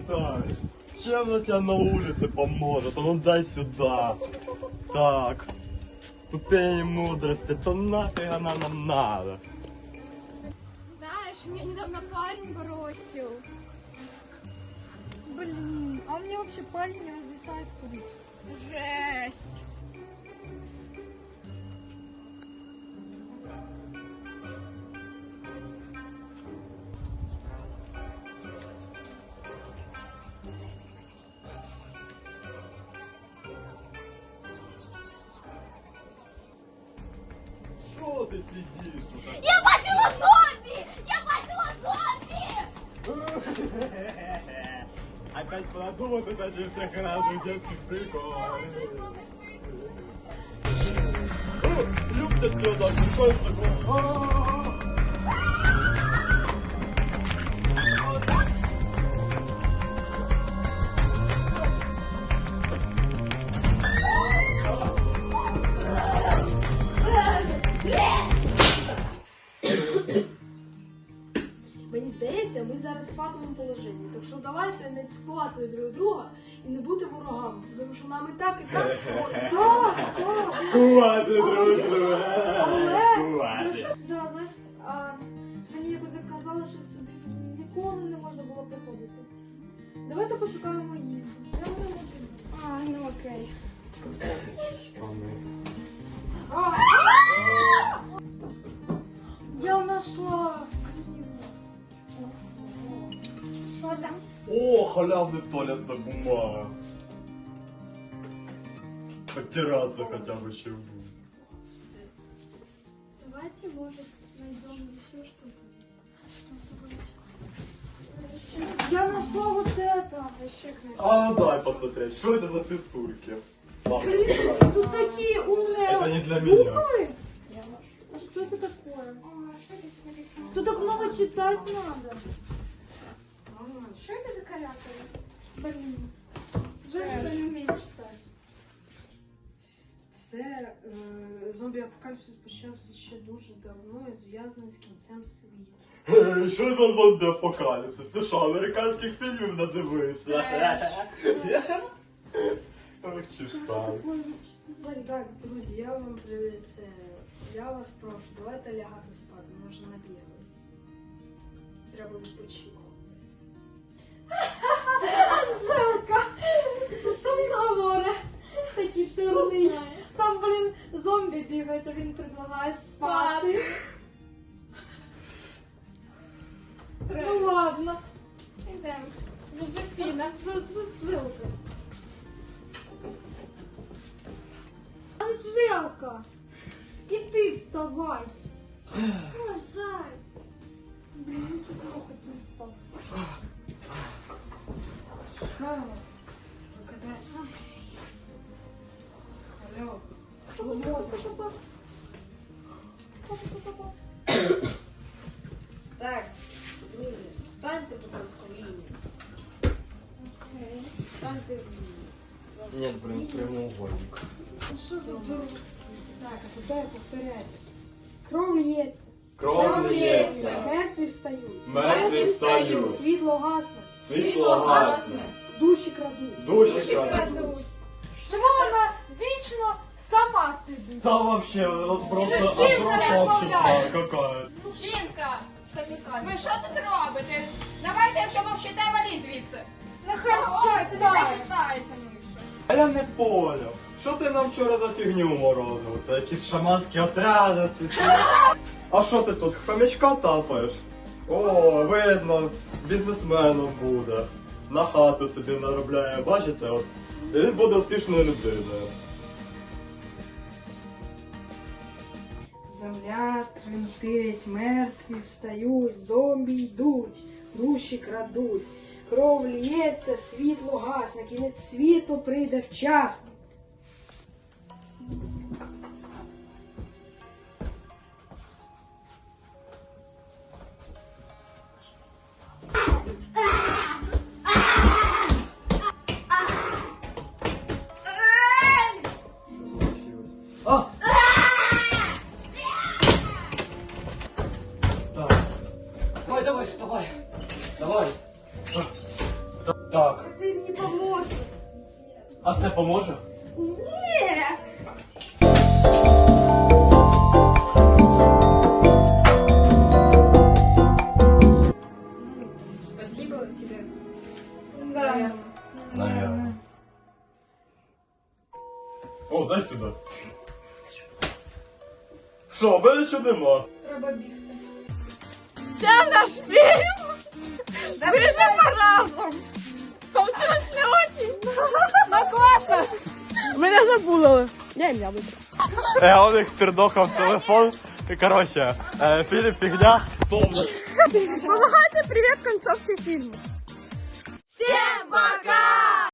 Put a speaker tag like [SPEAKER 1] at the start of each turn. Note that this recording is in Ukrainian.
[SPEAKER 1] считаешь? Чем на тебя на улице поможет? А ну дай сюда. Так. Ступени мудрости, то нафиг она нам надо.
[SPEAKER 2] Знаешь, меня недавно парень бросил. Блин, а мне вообще парень не разрешает курить. Жесть.
[SPEAKER 1] Что ты сидишь?
[SPEAKER 2] Я бачила зомби! Я бачила зомби!
[SPEAKER 1] Опять продумать это через всех разных детских приколов. Любят тебя даже, что это такое?
[SPEAKER 3] Мені здається, ми зараз в патовому положенні. Так що давайте не цькувати друг друга і не бути ворогами. Тому що нам і так
[SPEAKER 2] Так.
[SPEAKER 1] Скувати друг друга.
[SPEAKER 2] Але, да, знаєш, мені якось казали, що сюди ніколи не можна було приходити. Давайте пошукаємо їжу. Я не можу. Ну окей. Я знайшла книгу. Що там?
[SPEAKER 1] О, халявный туалетная бумага. Потираться хотя бы еще будет.
[SPEAKER 3] Давайте, может, найдем еще что-то.
[SPEAKER 2] Я нашла вот это. Еще книжку.
[SPEAKER 1] А, дай посмотреть, что это за писульки? Ладно,
[SPEAKER 2] Блин,
[SPEAKER 1] убирай.
[SPEAKER 2] тут такие умные
[SPEAKER 1] Это не для меня.
[SPEAKER 2] буквы. А что это такое?
[SPEAKER 4] Что здесь написано?
[SPEAKER 2] Тут так много читать надо.
[SPEAKER 4] Что это за каракули?
[SPEAKER 2] Блин. Жаль, что я не умею читать.
[SPEAKER 3] Це зомбі-апокаліпсис почався ще дуже давно і зв'язаний з кінцем світу.
[SPEAKER 1] Що за зомбі-апокаліпсис? Ти що, американських фільмів надивився? Ох, чи ж там.
[SPEAKER 3] Так, друзі, я вам це. Я вас прошу, давайте лягати спати, ми вже набігались. Треба відпочити.
[SPEAKER 2] Анжелка! Що він говорить? Такий темний. Там, блін, зомбі бігають, а він предлагає спати. Ну ладно. Ідемо. Жозефіна, Анжелка. Анжелка! Іди вставай.
[SPEAKER 4] О, зай!
[SPEAKER 2] Блін, ну чого трохи не впав.
[SPEAKER 3] Хамо, викидайся. Алло. Так, друзі, встаньте, будь ласка, в лінію. Встаньте в лінію.
[SPEAKER 1] Нет, блин, прямоугольник.
[SPEAKER 2] Ну що за дурак?
[SPEAKER 3] Так, а тепер повторяйте. Кров лється.
[SPEAKER 1] Кров лється.
[SPEAKER 3] Мертві встають.
[SPEAKER 1] Мертві встають.
[SPEAKER 3] Світло гасне.
[SPEAKER 1] Світло гасне.
[SPEAKER 3] Душі крадуть.
[SPEAKER 1] Душі крадуть.
[SPEAKER 2] Чому вона вічно сама сидить?
[SPEAKER 1] Да вообще, вот просто
[SPEAKER 2] Ты с
[SPEAKER 1] отброс
[SPEAKER 2] кем
[SPEAKER 1] общества какая.
[SPEAKER 5] Жінка, ви що тут робите? Давайте, якщо мовчите, валіть звідси.
[SPEAKER 2] Нехай
[SPEAKER 5] Ой, ти не
[SPEAKER 2] читає.
[SPEAKER 5] читається, Миша.
[SPEAKER 1] А я не понял. Що ти нам вчора за фігню морозив? Це якісь шаманські отряди, це чи... А що ти тут, хомячка тапаєш? О, видно, бізнесменом буде. На хату собі наробляє, бачите, от. І він буде успішною людиною.
[SPEAKER 3] Земля тремтить, мертві встають, зомбі йдуть, душі крадуть. Кров лється, світло гасне, кінець світу прийде вчасно.
[SPEAKER 1] А! Так.
[SPEAKER 6] Давай, давай, вставай. Давай.
[SPEAKER 1] Так, А це поможе?
[SPEAKER 5] Спасибо тебе.
[SPEAKER 2] Да.
[SPEAKER 1] Наверное. О, дай сюди. Що, мене ще нема.
[SPEAKER 2] Треба бігти.
[SPEAKER 5] Це наш фільм! Вижимо разом! Получилось не очень. Ну класно! Мене забули. Я ім'я вибрала.
[SPEAKER 1] Я у них пердохав телефон. І коротше, фільм фігня.
[SPEAKER 5] Помагайте привіт концовки фільму. Всім пока!